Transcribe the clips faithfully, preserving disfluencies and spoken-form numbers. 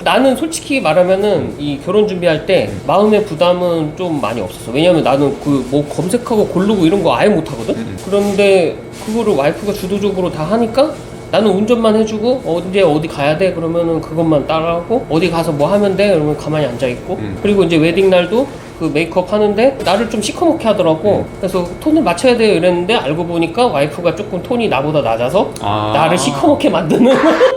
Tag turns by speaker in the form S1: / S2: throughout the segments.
S1: 나는 솔직히 말하면은 이 결혼 준비할 때 마음의 부담은 좀 많이 없었어. 왜냐면 나는 그 뭐 검색하고 고르고 이런 거 아예 못 하거든.
S2: 음.
S1: 그런데 그거를 와이프가 주도적으로 다 하니까 나는 운전만 해주고 언제 어디 가야 돼 그러면은 그것만 따라하고 어디 가서 뭐 하면 돼 그러면 가만히 앉아 있고
S2: 음.
S1: 그리고 이제 웨딩 날도 그 메이크업 하는데 나를 좀 시커멓게 하더라고.
S2: 음.
S1: 그래서 톤을 맞춰야 돼요 이랬는데 알고 보니까 와이프가 조금 톤이 나보다 낮아서
S2: 아.
S1: 나를 시커멓게 만드는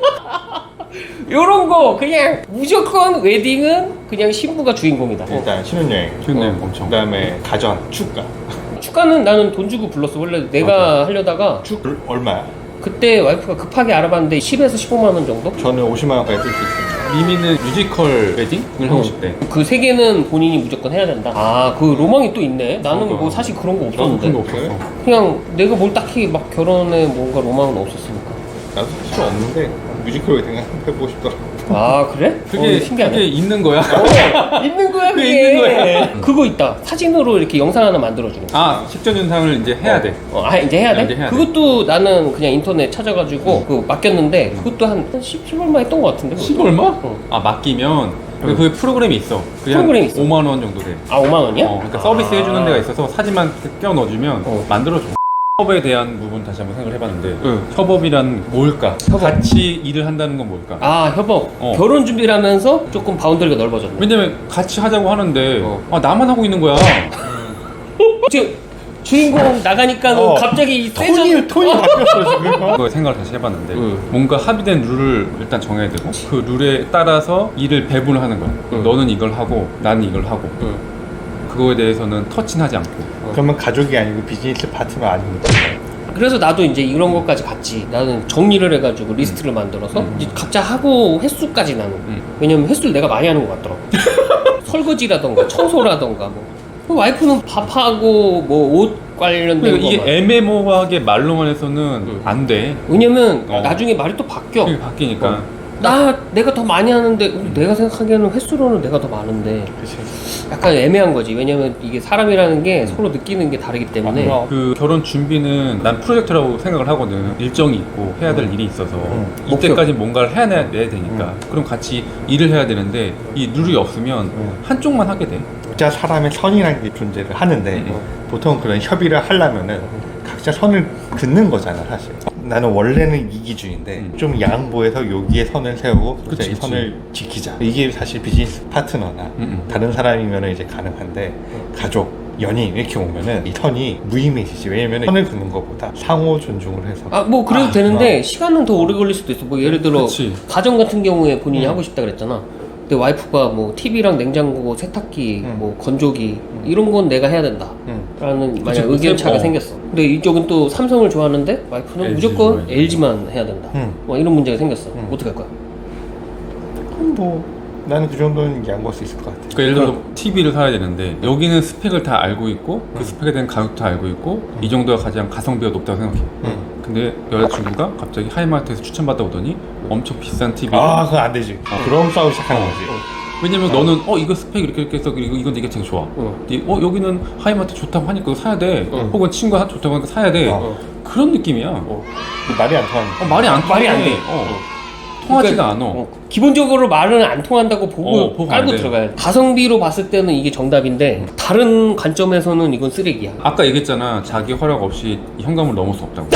S1: 요런 거 그냥 무조건 웨딩은 그냥 신부가 주인공이다.
S3: 일단 신혼여행,
S2: 신혼여행 엄청.
S3: 그다음에 가전, 축가.
S1: 축가는 나는 돈 주고 불렀어. 원래 내가 하려다가
S3: 축 얼마야?
S1: 그때 와이프가 급하게 알아봤는데 십에서 십오만 원 정도?
S3: 저는 오십만 원까지 쓸 수 있어요.
S2: 미미는 뮤지컬 웨딩을 하고 싶대.
S1: 그 세 개는 본인이 무조건 해야 된다. 아, 그 로망이 또 있네. 나는
S2: 그러니까.
S1: 뭐 사실 그런 거
S2: 나도
S1: 없었는데.
S2: 그런 거 없었어.
S1: 그냥 내가 뭘 딱히 막 결혼에 뭔가 로망은 없었으니까.
S3: 나도 사실 없는데 뮤지컬 웨딩 한번 해보고 싶더라고.
S1: 아, 그래?
S2: 그게
S1: 어, 신기하네.
S2: 그게 있는 거야.
S1: 어, 있는 거야, 그게.
S2: 그게 있는 거야.
S1: 그거 있다. 사진으로 이렇게 영상 하나 만들어주는 거.
S2: 아 식전 윤상을 이제 해야 돼.
S1: 어, 아, 이제 해야 돼?
S2: 이제 해야 돼.
S1: 그것도 나는 그냥 인터넷 찾아가지고 그 맡겼는데 그것도 한 십 얼마 했던 것 같은데.
S2: 십
S1: 그것도.
S2: 얼마?
S1: 어.
S2: 아 맡기면 그, 그 프로그램이 있어. 그게 한
S1: 프로그램이 있어.
S2: 오만 원 정도 돼.
S1: 아, 오만 원이야?
S2: 어, 그러니까 서비스
S1: 아.
S2: 해주는 데가 있어서 사진만 껴 넣어주면
S1: 어.
S2: 만들어줘. 협업에 대한 부분 다시 한번 생각을 해봤는데
S1: 응.
S2: 협업이란 뭘까?
S1: 협업.
S2: 같이 일을 한다는 건 뭘까?
S1: 아, 협업.
S2: 어.
S1: 결혼 준비를 하면서 조금 바운더리가 넓어졌네.
S2: 왜냐면 같이 하자고 하는데
S1: 어.
S2: 아 나만 하고 있는 거야.
S1: 지금 주인공 나가니까
S3: 어.
S1: 갑자기
S3: 톤이
S1: 세져.
S3: 톤이 바뀌었어 지금.
S2: 그거 생각을 다시 해봤는데
S1: 응.
S2: 뭔가 합의된 룰을 일단 정해야 되고 그 룰에 따라서 일을 배분을 하는 거야.
S1: 응.
S2: 너는 이걸 하고 나는 이걸 하고
S1: 응.
S2: 그거에 대해서는 터치하지 않고.
S3: 그러면 가족이 아니고 비즈니스 파트너 아닙니까?
S1: 그래서 나도 이제 이런 것까지 갔지. 나는 정리를 해가지고 리스트를 만들어서
S2: 음.
S1: 이제 각자 하고 횟수까지 나는.
S2: 음.
S1: 왜냐면 횟수를 내가 많이 하는 것 같더라고. 설거지라던가 청소라던가 뭐. 그 와이프는 밥하고 뭐 옷 관련된
S2: 그러니까
S1: 거.
S2: 이게 애매모호하게 말로만 해서는
S1: 응.
S2: 안 돼.
S1: 왜냐면
S2: 어.
S1: 나중에 말이 또 바뀌어.
S2: 이게 바뀌니까.
S1: 어. 나 내가 더 많이 하는데 내가 생각하기에는 횟수로는 내가 더 많은데
S3: 그치.
S1: 약간 애매한 거지. 왜냐면 이게 사람이라는 게 서로 느끼는 게 다르기 때문에.
S3: 아,
S2: 그 결혼 준비는 난 프로젝트라고 생각을 하거든. 일정이 있고 해야 될 일이 있어서
S3: 응.
S2: 이때까지 뭔가를 해내야 되니까 그럼 같이 일을 해야 되는데 이 룰이 없으면
S3: 응.
S2: 한쪽만 하게 돼.
S3: 각자 사람의 선이라는 게 존재를 하는데
S2: 응.
S3: 보통 그런 협의를 하려면은 각자 선을 긋는 거잖아 사실. 나는 원래는 이기주의인데
S2: 음.
S3: 좀 양보해서 여기에 선을 세우고
S2: 그치,
S3: 이
S2: 그치.
S3: 선을 지키자. 이게 사실 비즈니스 파트너나
S2: 음, 음.
S3: 다른 사람이면 이제 가능한데 가족, 연인 이렇게 오면은 이 선이 무의미해지지. 왜냐면 선을 긋는 것보다 상호 존중을 해서
S1: 아, 뭐 그래도
S3: 아,
S1: 되는데 시간은 더 오래 걸릴 수도 있어. 뭐 예를 들어
S2: 그치.
S1: 가정 같은 경우에 본인이
S3: 음.
S1: 하고 싶다 그랬잖아. 근데 와이프가 뭐 티비랑 냉장고, 세탁기,
S3: 음.
S1: 뭐 건조기 이런 건 내가 해야 된다.
S3: 응.
S1: 라는 만약
S2: 그치,
S1: 의견 차가
S2: 어.
S1: 생겼어. 근데 이쪽은 또 삼성을 좋아하는데 와이프는
S2: 엘지
S1: 무조건
S2: 좋아해.
S1: 엘지만 해야 된다.
S3: 음.
S1: 뭐 이런 문제가 생겼어.
S3: 음.
S1: 어떻게 할 거야?
S3: 그럼 뭐 나는 그 정도는 양보할 수 있을 것 같아.
S2: 그러니까 예를 들어 티비를 사야 되는데 여기는 스펙을 다 알고 있고 그 스펙에 대한 가격도 알고 있고 이 정도가 가장 가성비가 높다고 생각해.
S3: 응.
S2: 근데 여자친구가 갑자기 하이마트에서 추천받다 오더니 엄청 비싼 티비.
S3: 아 그건 안 되지. 그럼 싸우기 시작하는
S2: 어.
S3: 거지.
S2: 왜냐면 너는 어 이거 스펙 이렇게 이렇게 해서 그리고 이건 되게 되게 좋아.
S1: 어.
S2: 근데 어 여기는 하이마트 좋다고 하니까 이거 사야 돼.
S1: 어.
S2: 혹은 친구가 좋다고 하니까 사야 돼.
S3: 어.
S2: 그런 느낌이야.
S1: 어.
S3: 말이 안 통하는
S2: 어, 말이 안
S1: 말이 안 돼.
S2: 어. 통하지가
S1: 그러니까,
S2: 않아.
S1: 어, 기본적으로 말은 안 통한다고 보고,
S2: 어, 보고
S1: 깔고
S2: 안 돼.
S1: 들어가야 돼. 가성비로 봤을 때는 이게 정답인데 다른 관점에서는 이건 쓰레기야.
S2: 아까 얘기했잖아. 자기 허락 없이 이 현관을 넘을 수 없다고.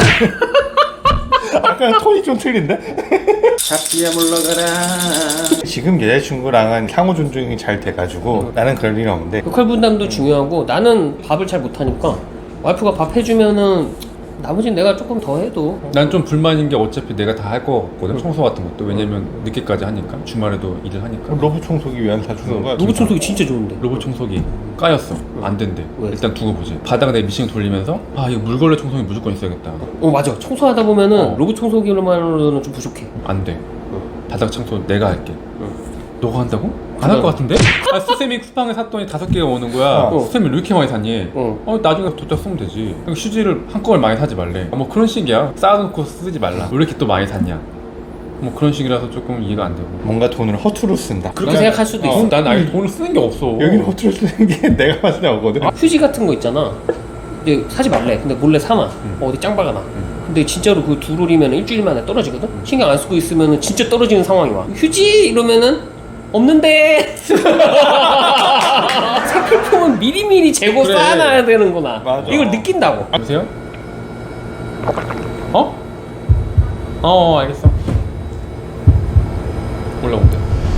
S3: 아까 톤이 좀 틀린데?
S1: 잡기야 물러가라.
S3: 지금 여자친구랑은 상호 존중이 잘 돼가지고 나는 그럴 일이 없는데
S1: 역할 분담도 중요하고 나는 밥을 잘 못하니까 와이프가 밥 해주면은 나머지는 내가 조금 더 해도
S2: 난 좀 불만인 게 어차피 내가 다 할 거 같거든. 청소 같은 것도. 왜냐면 늦게까지 하니까. 주말에도 일을 하니까.
S3: 로봇 청소기 왜 안 사주는 거야?
S1: 로봇 청소기 진짜 좋은데.
S2: 로봇 청소기 까였어. 안 된대.
S1: 왜?
S2: 일단 두고 보지. 바닥에 내 미싱 돌리면서 아 이거 물걸레 청소기 무조건 있어야겠다.
S1: 어 맞아. 청소하다 보면은
S2: 어.
S1: 로봇 청소기로만으로는 좀 부족해.
S2: 안 돼. 바닥 청소 내가 할게. 너가 한다고? 안
S1: 그래.
S2: 할 것 같은데? 아 수세미 쿠팡에 샀더니 다섯 개가 오는 거야.
S3: 어.
S2: 수세미 왜 이렇게 많이 샀니?
S1: 어.
S2: 어 나중에 뒀다 쓰면 되지. 그러니까 휴지를 한꺼번에 많이 사지 말래. 아, 뭐 그런 식이야. 쌓아놓고 쓰지 말라. 왜 이렇게 또 많이 샀냐? 뭐 그런 식이라서 조금 이해가 안 되고.
S3: 뭔가 돈을 허투루 쓴다.
S1: 그렇게 생각할 수도
S2: 어,
S1: 있어.
S2: 난 아예 돈을 쓰는 게 없어.
S3: 여기는 허투루 쓰는 게 내가 봤을 때 없거든.
S1: 휴지 같은 거 있잖아. 근데 사지 말래. 근데 몰래 사놔. 어, 어디 짱박아 놔. 근데 진짜로 그 두 롤이면 일주일 만에 떨어지거든? 신경 안 쓰고 있으면 진짜 떨어지는 상황이 와. 휴지! 이러면은 없는데 색필품은 미리미리 재고
S2: 그래.
S1: 쌓아놔야 되는구나.
S3: 맞아.
S1: 이걸 느낀다고.
S2: 여보세요? 어? 어 알겠어. 올라온대.